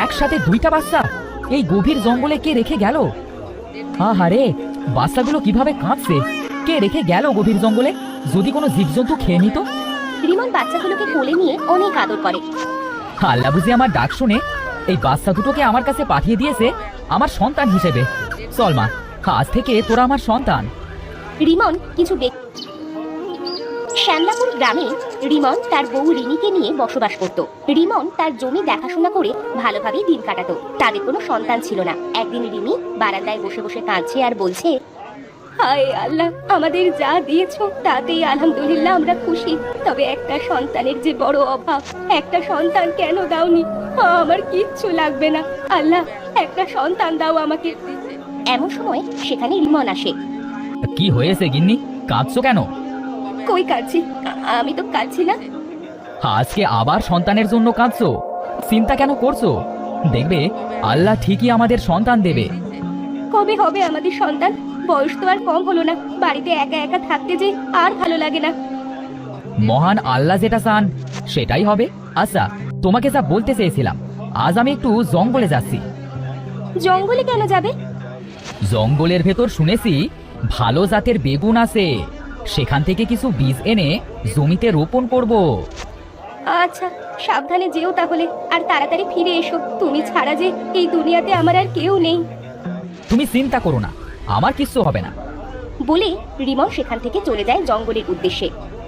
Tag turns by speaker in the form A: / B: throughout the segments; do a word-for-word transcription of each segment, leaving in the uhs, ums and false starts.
A: একসাথে দুইটা বাচ্চা এই গভীর জঙ্গলে কে রেখে গেল? আহারে, বাচ্চাগুলো কিভাবে কাঁদছে! কে রেখে গেল গভীর জঙ্গলে? যদি কোনো জীবজন্তু খেয়ে নিত।
B: রিমন বাচ্চাগুলোকে কোলে নিয়ে অনেক আদর করে।
A: আল্লাহ বুঝি আমার ডাক শুনে এই বাচ্চা দুটোকে আমার কাছে পাঠিয়ে দিয়েছে আমার সন্তান হিসেবে। চল মা, আজ থেকে তোরা আমার সন্তান।
B: রিমন কিছু দেখ শ্যামলাপুর গ্রামে রিমন তার বউ রিনিকে নিয়ে বসবাস করত। রিমন তার জমি দেখাশোনা করে ভালোভাবে দিন কাটাতো। তাদের কোনো সন্তান ছিল না। একদিন রিনি বারান্দায় বসে বসে কাঁদছে আর বলছে, হায় আল্লাহ, আমাদের যা দিয়েছো তাতেই আলহামদুলিল্লাহ আমরা খুশি, তবে একটা সন্তানের যে বড় অভাব। একটা সন্তান কেন দাওনি? আমার কিচ্ছু লাগবে না, আল্লাহ একটা সন্তান দাও আমাকে। এমন সময় সেখানে রিমন আসে।
A: কি হয়েছে গিন্নি, কাঁদছো কেন?
B: কই কাঁদছি? আমি তো কাঁদছি না।
A: আজকে আবার সন্তানের জন্য কাঁদছো? চিন্তা কেন করছো? দেখবে আল্লাহ ঠিকই আমাদের সন্তান দেবে।
B: কবে হবে আমাদের সন্তান? বয়স তো আর কম হলো না, বাড়িতে একা একা থাকতে যে আর ভালো লাগে না।
A: মহান আল্লাহ যেটা চান সেটাই হবে। আচ্ছা, তোমাকে যা বলতে চেয়েছিলাম, আজ আমি একটু জঙ্গলে যাচ্ছি।
B: জঙ্গলে কেন যাবে?
A: জঙ্গলের ভেতর শুনেছি ভালো জাতের বেগুন আছে, সেখান থেকে কিছু বীজ এনে জমিতে রোপণ করব।
B: আচ্ছা, সাবধানে যেও তাহলে, আর তাড়াতাড়ি ফিরে এসো। তুমি ছাড়া যে এই দুনিয়াতে আমার আর কেউ নেই।
A: তুমি চিন্তা করো না, আমার কিচ্ছু হবে না।
B: বলে রিমন সেখান থেকে চলে যায় জঙ্গলের উদ্দেশ্যে।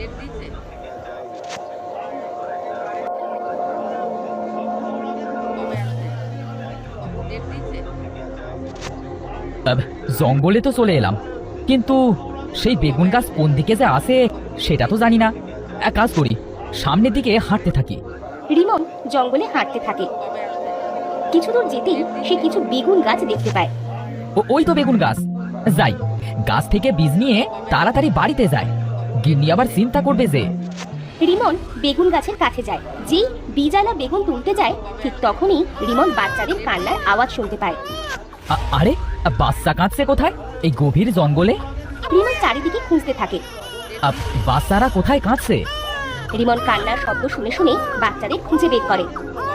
A: আব, জঙ্গলে তো চলে এলাম, কিন্তু সেই বেগুন গাছ কোন দিকে যে আছে সেটা তো জানি না। এক কাজ করি, সামনের দিকে হাঁটতে থাকি।
B: রিমন জঙ্গলে হাঁটতে থাকে। কিছু দূর যেতেই সে কিছু বেগুন গাছ দেখতে পায়।
A: ও ওই তো বেগুন গাছ। যাই, গাছ থেকে বীজ নিয়ে তাড়াতাড়ি বাড়িতে যায়। গিন্নি আবার চিন্তা করবে যে।
B: রিমন বেগুন গাছের কাছে যায়। যেই বীজালা বেগুন তুলতে যায়, ঠিক তখনই রিমন বাচ্চাদের কান্নার আওয়াজ শুনতে পায়।
A: আ- আরে, বাচ্চা কাঁদছে কোথায় এই গভীর জঙ্গলে?
B: রিমন চারিদিকে খুঁজতে থাকে।
A: আ, বাচ্চারা কোথায় কাঁদছে?
B: রিমন কান্নার শব্দ শুনে শুনে বাচ্চাদের খুঁজে বের করে।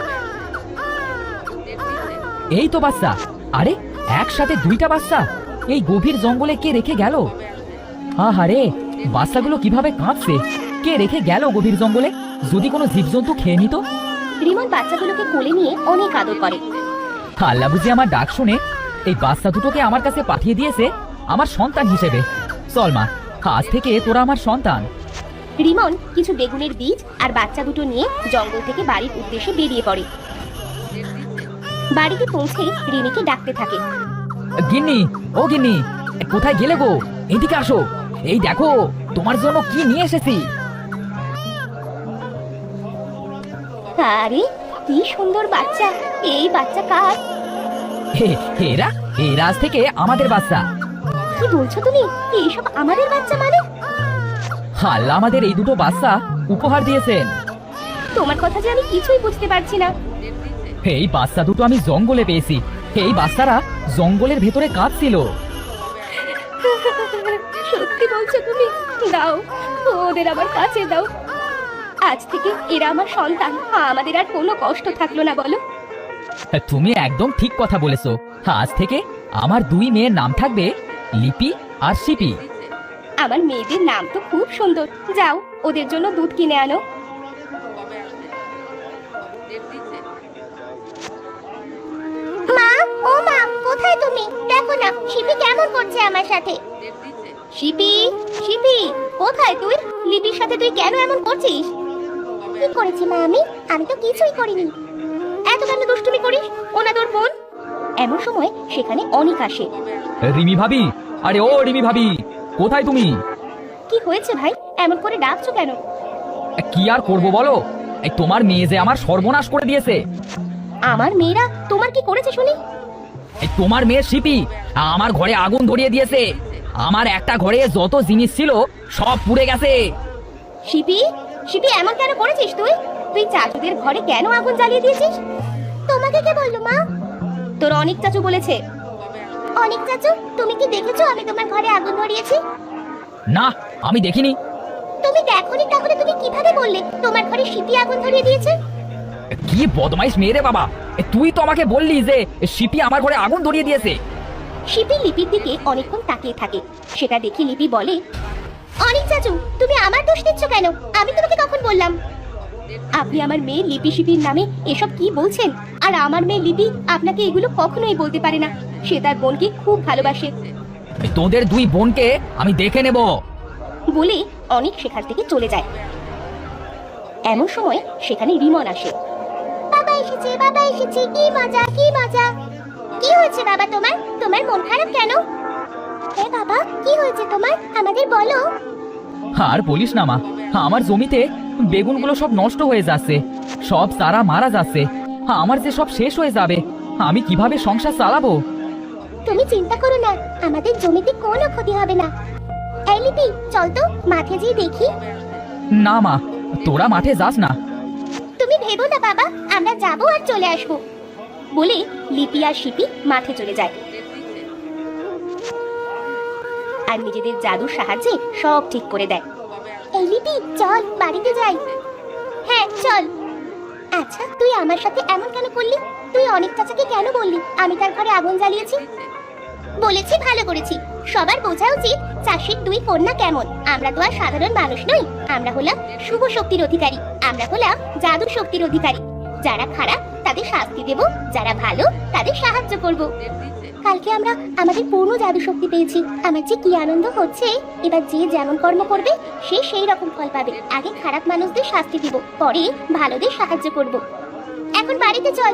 A: এই তো বাচ্চা। আরে, একসাথে দুইটা বাচ্চা এই গভীর জঙ্গলে কে রেখে গেল? আহারে, বাচ্চাগুলো কিভাবে কাঁদছে! কে রেখে গেল গভীর জঙ্গলে? যদি কোনো জীবজন্তু খেয়ে নিত।
B: রিমন বাচ্চাগুলোকে কোলে নিয়ে অনেক আদর করে।
A: আল্লাহ বুঝি আমার ডাক শুনে এই বাচ্চা দুটোকে আমার কাছে পাঠিয়ে দিয়েছে আমার সন্তান হিসেবে। চল মা, আজ থেকে তোরা আমার সন্তান।
B: রিমন কিছু বেগুনের বীজ আর বাচ্চা দুটো নিয়ে জঙ্গল থেকে বাড়ির উদ্দেশ্যে বেরিয়ে পড়ে। বাড়িতে পৌঁছে রিনিকে ডাকতে থাকে।
A: গিন্নি, ও গিন্নি, কোথায় গেলে গো? এদিকে আসো, এই দেখো তোমার জন্য কি নিয়ে এসেছি।
B: আরে কি সুন্দর বাচ্চা! এই বাচ্চা কার?
A: হে, এরা এরা আজ থেকে আমাদের বাচ্চা।
B: কি বলছো তুমি? এইসব আমাদের বাচ্চা মানে?
A: আল্লাহ আমাদের এই দুটো বাচ্চা উপহার দিয়েছেন।
B: তোমার কথা যে আমি কিছুই বুঝতে পারছি না।
A: এই বাচ্চা দুটো আমি জঙ্গলে পেয়েছি। এই বাচ্চারা জঙ্গলের ভেতরে কাঁদছিল।
B: সত্যি বলছো তুমি? দাও, ওদের আমার কাছে দাও। আজ থেকে এরা আমার সন্তান, আমাদের আর কোনো কষ্ট থাকলো না, বলো?
A: তুমি একদম ঠিক কথা বলেছো। আজ থেকে আমার দুই মেয়ের নাম থাকবে লিপি আর শিপি।
B: আমার মেয়েদের নাম তো খুব সুন্দর। যাও, ওদের জন্য দুধ কিনে আনো। মা, ও মা, কোথায় তুমি? দেখো না শিপি কেমন করছে আমার সাথে। শিপি, শিপি, কোথায় তুই? লিপির সাথে তুই কেন এমন করছিস? কি করেছি মা আমি? আমি তো কিছুই করিনি। এত কেন দুষ্টুমি করিস? ওনা তোর বোন। এমন সময় সেখানে অনিক আসে।
A: রিমি ভাবি, আরে ও রিমি ভাবি, কোথায় তুমি?
B: কি হয়েছে ভাই, এমন করে ডাকছো কেন?
A: কি আর করবো বলো, এই তোমার মেয়ে যে আমার সর্বনাশ করে দিয়েছে।
B: আমার মেয়েরা তোমার কি করেছে শুনি?
A: এই তোমার মেয়ে শিপি আমার ঘরে আগুন ধরিয়ে দিয়েছে। আমার একটা ঘরে যত জিনিস ছিল সব পুড়ে গেছে।
B: শিপি, শিপি, এমন কেন করেছিস তুই? তুই চাচুদের ঘরে কেন আগুন জ্বালিয়ে দিয়েছিস? তোমাকে কে বললো মা? তোর অনেক চাচু বলেছে। অনেক চাচু, তুমি কি দেখেছো আমি তোমার ঘরে আগুন ধরিয়েছি?
A: না, আমি দেখিনি।
B: তুমি দেখোনি, তাহলে তুমি কিভাবে বললে তোমার ঘরে শিপি আগুন ধরিয়ে দিয়েছে?
A: কি বদমাইশ মেয়ে রে বাবা! এ, তুই তো আমাকে বললি যে শিপি আমার ঘরে আগুন ধরিয়ে দিয়েছে।
B: শিপি লিপির দিকে অনেকক্ষণ তাকিয়ে থাকে। সেটা দেখে লিপি বলে, অনেক চাচু, তুমি আমার দোষ দিচ্ছ কেন? আমি তোমাকে কখন বললাম? আপনি আমার মেয়ে লিপি শিপির নামে এসব কি বলছেন? আর আমার মেয়ে লিপি আপনাকে এগুলো কখনোই বলতে পারে না। সে তার বোনকে খুব ভালোবাসে।
A: এ, তোদের দুই বোনকে আমি দেখে নেব।
B: বলে অনেক সেখান থেকে চলে যায়। এমন সময় সেখানে রিমন আসে। বাবা এসেছে, বাবা এসেছে, কি মজা, কি মজা। কি হয়েছে বাবা তোমার? তোমার মন খারাপ কেন? হ্যাঁ বাবা, কি হয়েছে তোমার? আমাদের বলো।
A: আর বলিস না মা, আমার জমিতে বেগুনগুলো সব নষ্ট হয়ে যাচ্ছে, সব চারা মারা যাচ্ছে। আমার যে সব শেষ হয়ে যাবে, আমি কিভাবে সংসার চালাবো?
B: তুমি চিন্তা করো না, আমাদের জমিতে কোনো ক্ষতি হবে না। এই লিপি, চল তো মাঠে গিয়ে দেখি।
A: না মা, তোরা মাঠে যাস না।
B: তুমি ভেবো না বাবা, আমরা যাবো আর চলে আসবো। বলে লিপি আর শিপি মাঠে চলে যায় আর নিজেদের জাদুর সাহায্যে সব ঠিক করে দেয়। এই লিপি, চল বাড়িতে যাই। হ্যাঁ চল। আচ্ছা, তুই আমার সাথে এমন কেন করলি? তুই অনেক চাচাকে কেন বললি আমি তার ঘরে আগুন জ্বালিয়েছি? বলেছি, ভালো করেছি। সবার বোঝা উচিত চাষির দুই কন্যা কেমন। আমরা তো আর সাধারণ মানুষ নই, আমরা হলাম শুভ শক্তির অধিকারী, আমরা হলাম জাদু শক্তির অধিকারী। যারা খারাপ তাদের শাস্তি দেব, যারা ভালো তাদের সাহায্য করব। কালকে আমরা আমাদের পূর্ণ জাদু শক্তি পেয়েছি। আমার যে কি আনন্দ হচ্ছে। এবার যে যেমন কর্ম করবে সে সেই রকম ফল পাবে। আগে খারাপ মানুষদের শাস্তি দিব, পরে ভালোদের সাহায্য করব। এখন বাড়িতে চল।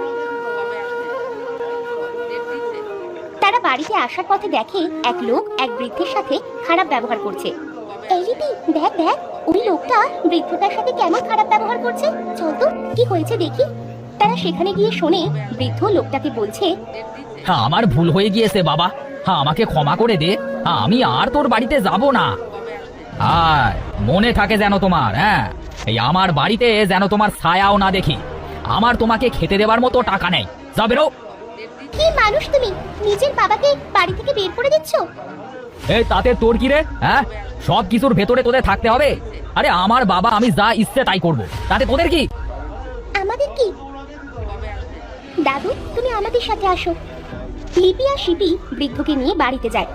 B: তারা বাড়িতে আসার পথে দেখে এক লোক এক বৃদ্ধের সাথে খারাপ ব্যবহার করছে। এই লিপি, দেখ দেখ, ওই লোকটা বৃদ্ধটার সাথে কেমন খারাপ ব্যবহার করছে। চল তো কি হয়েছে দেখি। তারা সেখানে গিয়ে শোনে বৃদ্ধ লোকটাকে বলছে,
A: আমার ভুল হয়ে গিয়েছে বাবা, আমাকে ক্ষমা করে দে। আমি আর তোর বাড়িতে যাব না। আর মনে থাকে যেন তোমার, হ্যাঁ, এই আমার বাড়িতে যেন তোমার ছায়াও না দেখি। আমার তোমাকে খেতে দেবার মতো টাকা নেই, যা বেরো।
B: কি মানুষ তুমি, নিজের বাবাকে বাড়ি থেকে বের করে দিচ্ছ?
A: এই তাতে তোর কি রে? হ্যাঁ, সব কিছুর ভেতরে তোদের থাকতে হবে। আরে আমার বাবা, আমি যা ইচ্ছে তাই করব, তাতে তোদের কি?
B: আমাদের কি? দাদু, তুমি আমাদের সাথে আসো। লিপি আর শিপি বৃদ্ধকে নিয়ে বাড়িতে যায়।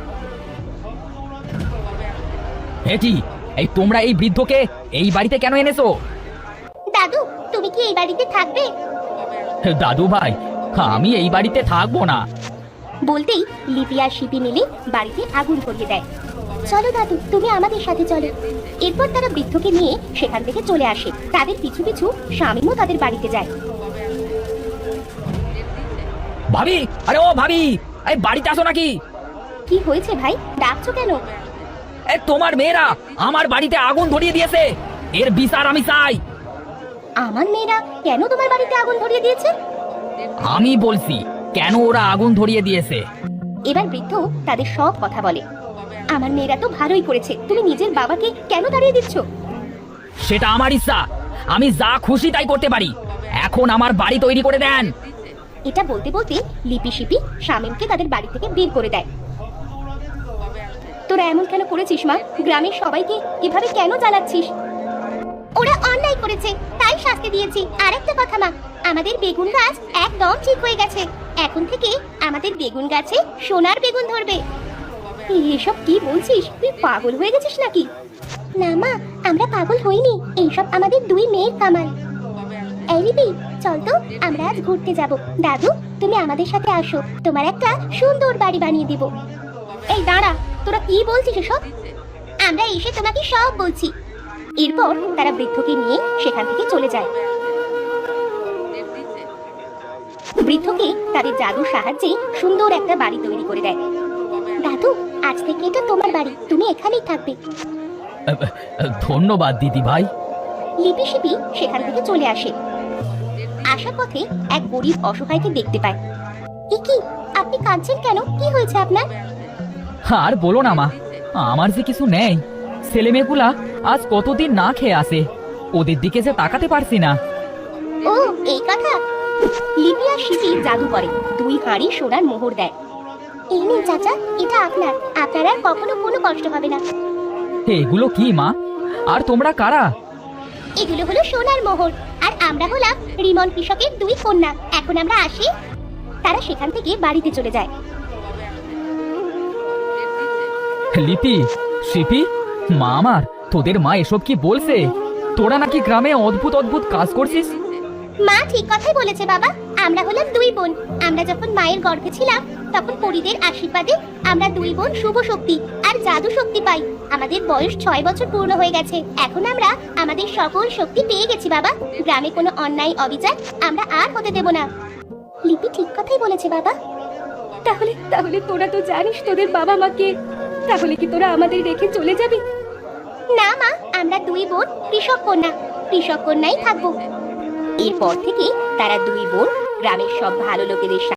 A: এটি, এই তোমরা এই বৃদ্ধকে এই বাড়িতে কেন এনেছো?
B: দাদু, তুমি কি এই বাড়িতে থাকবে?
A: দাদু ভাই, আমি এই বাড়িতে থাকবো না।
B: বলতেই লিপি আর শিপি মিলে বাড়িতে আগুন ধরিয়ে দেয়। চলো দাদু, তুমি আমাদের সাথে চলো। এরপর তারা বৃদ্ধকে নিয়ে সেখান থেকে চলে আসে। তাদের পিছু পিছু শামীমও তাদের বাড়িতে যায়।
A: ভাবি, আরে ও ভাবি, এই বাড়িতে আসো নাকি?
B: কি হয়েছে ভাই, ডাকছো কেন?
A: এই তোমার মেয়েরা আমার বাড়িতে আগুন ধরিয়ে দিয়েছে, এর বিচার আমি চাই।
B: আমার মেয়েরা কেন তোমার বাড়িতে আগুন ধরিয়ে দিয়েছে?
A: আমি বলছি, কেন ওরা আগুন ধরিয়ে দিয়েছে।
B: এবার বৃদ্ধ তাদের সব কথা বলে। আমার মেয়েরা তো ভালোই করেছে, তুমি নিজের বাবাকে কেন তাড়িয়ে দিচ্ছ?
A: সেটা আমার ইচ্ছা, আমি যা খুশি তাই করতে পারি। এখন আমার বাড়ি তৈরি করে দেন।
B: এটা বলতে বলতে লিপি শিপি শামীমকে তাদের বাড়ি থেকে বের করে দেয়। তোরা এমন কেন করেছিস মা? গ্রামের সবাইকে এভাবে কেন জ্বালাচ্ছিস? ওরা অন্যায় করেছে, তাই শাস্তি দিয়েছি। আরেকটা কথা মা, আমাদের বেগুন গাছ একদম ঠিক হয়ে গেছে। এখন থেকে আমাদের বেগুন গাছে সোনার বেগুন ধরবে। এসব কি বলছিস? তুই পাগল হয়ে গেছিস নাকি? না মা, আমরা পাগল হইনি, এইসব আমাদের দুই মেয়ের কামাল। এই লিপি, চল তো আমরা আজ ঘুরতে যাব। দাদু, তুমি আমাদের সাথে আসো, তোমার একটা সুন্দর বাড়ি বানিয়ে দিব। এই দাঁড়া, তোরা কি বলছিস এসব? আমরা এসে তোমাকে সব বলছি। এরপর তারা বৃদ্ধকে নিয়ে সেখান থেকে চলে যায়। বৃদ্ধকে তাদের জাদুর সাহায্যে সুন্দর একটা বাড়ি তৈরি করে দেয়। দাদু, আজ থেকে এটা তোমার বাড়ি, তুমি এখানেই থাকবে।
A: ধন্যবাদ দিদি ভাই।
B: লিপি শিপি সেখান থেকে চলে আসে। আসার পথে এক গরিব অসহায়কে দেখতে পায়। এ কি, আপনি কাঁদছেন কেন? কি হয়েছে আপনার?
A: আর বলো না মা, আমার যে কিছু নেই। ছেলে মেয়েগুলা আজ কতদিন না খেয়ে আসে, ওদের দিকে যে তাকাতে পারছি না।
B: ও এই কথা। লিপি আর শিপি জাদু করে, দুই হাঁড়ি সোনার মোহর দেয়। এই নিন চাচা, এটা আপনার, আপনার আর কখনো কোনো কষ্ট হবে না।
A: এগুলো কি মা? আর তোমরা কারা?
B: এগুলো হলো সোনার মোহর, আর আমরা হলাম রিমন কৃষকের দুই কন্যা। এখন আমরা আসি। তারা সেখান থেকে বাড়িতে চলে যায়।
A: লিপি, শিপি, মা আমার, তোদের মা এসব কি বলছে? তোরা নাকি গ্রামে অদ্ভুত অদ্ভুত কাজ করছিস?
B: মা ঠিক কথাই বলেছে বাবা। আমরা হলাম দুই বোন। আমরা যখন মায়ের গর্ভে ছিলাম তখন পরীদের আশীর্বাদে আমরা দুই বোন শুভ শক্তি আর জাদু শক্তি পাই। আমাদের বয়স ছয় বছর পূর্ণ হয়ে গেছে। এখন আমরা আমাদের সকল শক্তি পেয়ে গেছি বাবা। গ্রামে কোনো অন্যায় অবিচার আমরা আর হতে দেব না। লিপি ঠিক কথাই বলেছে বাবা। তাহলে তাহলে তোরা তো জানিস তোদের বাবা মাকে। তাহলে কি তোরা আমাদের রেখে চলে যাবি? না মা, আমরা দুই বোন কৃষক কন্যা, কৃষক কন্যাই থাকবো। এরপর থেকে তারা দুই বোন গ্রামের সব ভালো লোকেদের